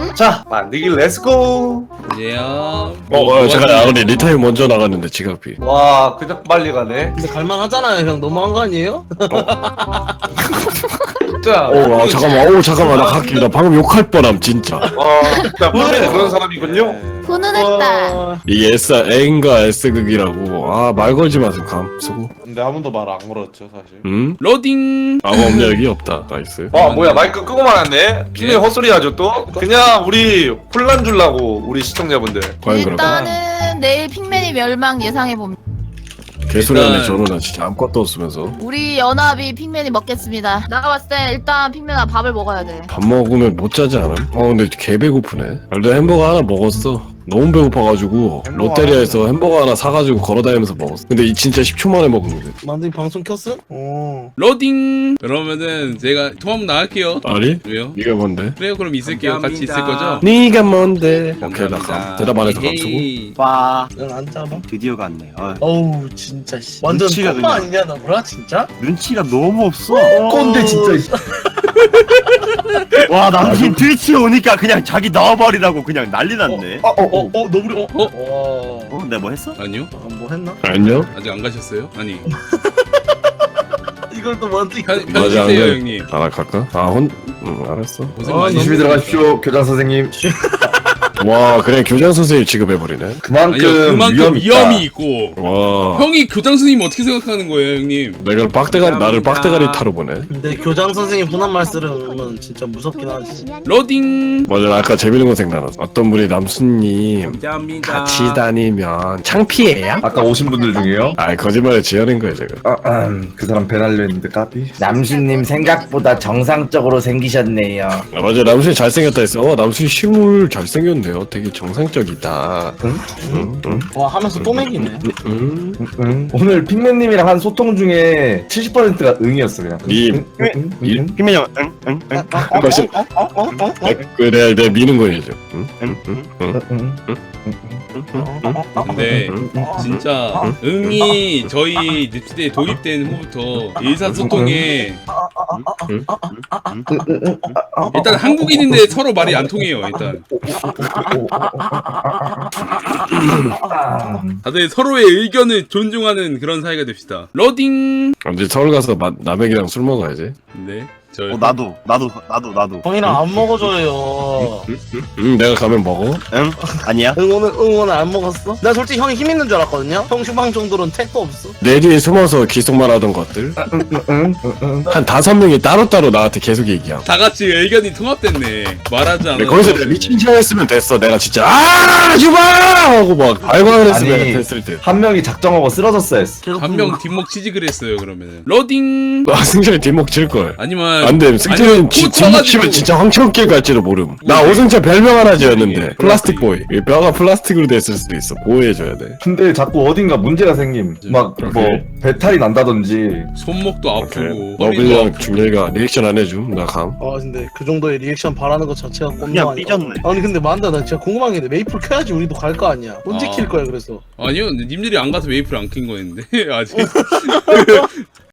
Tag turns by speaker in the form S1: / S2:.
S1: 자, 만들기 렛츠고.
S2: 이제요.
S3: 잠깐 우리 리타임 먼저 나갔는데 지각비.
S1: 와, 그냥 빨리 가네.
S4: 근데 갈만하잖아요 형. 너무한 거 아니에요?
S1: 자,
S3: 잠깐만 나 갈게. 나 방금 욕할 뻔함 진짜.
S1: 자, 원래 그런 사람이군요.
S5: 훈훈했다.
S3: 이 N과 S극이라고. 말 걸지 마세요. 감 쓰고.
S6: 근데 아무도 말 안 걸었죠 사실.
S3: 응?
S2: 로딩.
S3: 아무 업력이 없다. 나이스.
S1: 뭐야, 마이크 끄고 말았네. 핑맨 헛소리 하죠 또? 그냥 우리 혼란 주려고 우리 시청자분들.
S3: 과연 그럴까?
S5: 일단은 내일 핑맨이 멸망 예상해 봅니다.
S3: 개소리하네
S2: 일단-
S3: 저는 진짜 아무것도 없으면서.
S5: 우리 연합이 핑맨이 먹겠습니다. 내가 봤을 때 일단 핑맨아 밥을 먹어야 돼.
S3: 밥 먹으면 못 자지 않음? 근데 개 배고프네. 일단 햄버거 하나 먹었어. 너무 배고파가지고 롯데리아에서 햄버거 하나 사가지고 걸어다니면서 먹었어. 근데 이 진짜 10초 만에 먹은 거지.
S4: 만두님 방송 켰음? 어.
S2: 로딩. 그러면은 제가 통화 나갈게요.
S3: 아니?
S2: 왜요?
S3: 네가 뭔데?
S2: 그래요, 그럼 있을게요. 같이 있을 거죠?
S3: 네가 뭔데? 오케이 나 감. 대답 안 해서 감 쓰고.
S2: 에이.
S7: 와
S4: 넌안 잡아?
S7: 드디어 갔네.
S4: 어우 진짜 씨. 완전
S7: 눈치가
S4: 꼬마
S7: 그냥.
S4: 아니냐 나 뭐야 진짜?
S7: 눈치가 너무 없어.
S1: 꼰대 진짜.
S7: 와 남친 트위치에 오니까 그냥 자기 나와버리라고 그냥 난리 났네.
S4: 너구리
S7: 내가 뭐 했어?
S2: 아니요?
S4: 뭐 했나?
S3: 안녕?
S2: 아직 안 가셨어요? 아니.
S4: 이걸 또 만두
S2: 편집해요,
S3: 그래.
S2: 형님.
S3: 나 갈까? 알았어.
S2: 고생 많이
S1: 조심히 들어가십시오, 교장 선생님.
S3: 와 그냥 교장 선생님 취급해버리네.
S1: 그만큼,
S2: 아니요, 그만큼 위험이 있고.
S3: 와
S2: 형이 교장 선생님 어떻게 생각하는 거예요, 형님?
S3: 내가 나를 빡대가리 타러 보네.
S4: 근데 교장 선생님 훈한 말 쓰면 진짜 무섭긴 하지.
S2: 로딩.
S3: 맞아 아까 재밌는 거 생각났어. 어떤 분이 남순님
S7: 감사합니다.
S3: 같이 다니면 창피해요?
S1: 아까 오신 분들 중에요?
S3: 거짓말에 지어낸 거야 제가.
S1: 그 사람 배날려 했는데 까비.
S8: 남순님 생각보다 정상적으로 생기셨네요.
S3: 맞아 남순이 잘생겼다 했어. 남순이 실물 잘생겼네요. 되게 정상적이다. 응?
S4: 와 하면서 또 맥이네.
S1: 오늘 핑맨님이랑 한 소통 중에 70%가 응이었어 그냥.
S3: 님.
S7: 희민이 형, 응?
S3: 맞아. 그래 내가 미는 거예요.
S2: 근데 진짜 응이 저희 늪지대에 도입된 후부터 의사소통에 일단 한국인인데 서로 말이 안 통해요. 일단 다들 서로의 의견을 존중하는 그런 사이가 됩시다. 로딩.
S3: 이제 서울 가서 남에게랑 술 먹어야지.
S2: 네. 저
S7: 나도.
S4: 형이랑 안 먹어줘요.
S3: 내가 가면 먹어.
S7: 응? 아니야?
S4: 오늘 안 먹었어? 나 솔직히 형이 힘 있는 줄 알았거든요. 형 휴방 정도로는 택도 없어.
S3: 내 뒤에 숨어서 기속만 하던 것들. 한 5명이 따로따로 나한테 계속 얘기함.
S2: 다 같이 의견이 통합됐네. 말하지 않아.
S3: 거기서 내가 미친 척 했으면 됐어. 내가 진짜 주마! 하고 막 발광을 했으면
S1: 아니,
S3: 됐을 때.
S1: 한 명이 작정하고 쓰러졌어 했어.
S2: 한 명 뒷목 취직을 했어요. 그러면은 로딩.
S3: 승철이 뒷목 칠걸.
S2: 아니면
S3: 안돼. 승철은 뒷목 치면
S2: 쳐가지고
S3: 진짜 황천길 갈지도 모름. 나 오승철 별명 하나 지었는데 플라스틱 보이. 이 뼈가 플라스틱으로 됐을 수도 있어. 보호해줘야 돼.
S1: 근데 자꾸 어딘가 문제가 생김. 막 뭐
S3: 오케이.
S1: 배탈이 난다든지.
S2: 손목도 아프고 머리도
S3: 너블이랑
S2: 아프고.
S3: 준열이가 리액션 안 해줌. 나 감.
S4: 근데 그 정도의 리액션 바라는 것 자체가 꼼짝
S7: 그냥
S4: 아니야.
S7: 삐졌네.
S4: 아니 근데 만다 나 진짜 궁금한 게 있는데 메이플 켜야지 우리도 갈 거 아니야. 언제 킬 거야 그래서?
S2: 아니요, 님들이 안 가서 웨이프를 안 킨 거였는데 아직.